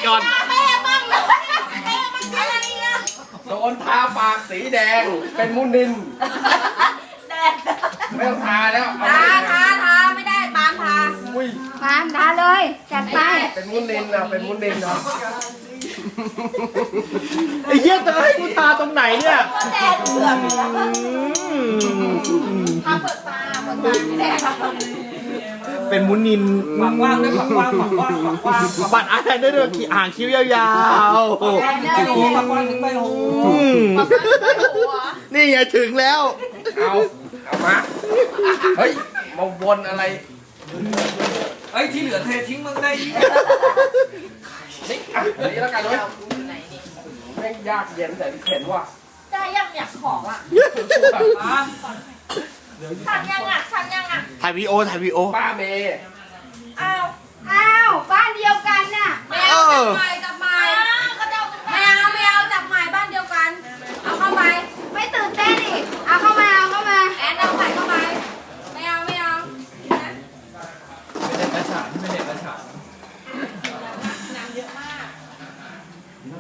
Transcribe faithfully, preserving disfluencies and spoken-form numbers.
ก่อนแม่บ้างเลยแม่บ้างอะไรอ่ะโดนทาปากสีแดงเป็นมุนินแดดไม่ต้องทาแล้วเอาทาไปทาทาไม่ได้ปามทาอุ้ยปามทาเลยจัดไปเป็นมุนินนะเป็นมุนินนะไอ้เหี้ยจะให้กูทาตรงไหนเนี่ยแดดเบื่อทาเปิดตาเปิดตาไม่แดดเป็นมุนินปากกว้างด้วยปากกว้างปากกว้างปากกว้างบัตรอะไรได้ด้วยขี่อ่างคิ้วยาวปากกว้างถึงใบหูปากกว้างถึงใบหูๆอืมนี่ไงถึงแล้วเอาเอามาเฮ้ยมาวนอะไรเอ้ยที่เหลือเททิ้งมึงได้ยี่นี่อ่ะนี่แล้วกันเว้ยแม่งยากเย็นแต่เข็นว่ะได้ยังอยากของอ่ะมาสั่งยังอ่ะสั่งยังอ่ะถ่ายวีโอถ่ายวีโอป้าเมย์อ้าวอ้าวบ้านเดียวกันน่ะแมวทำไม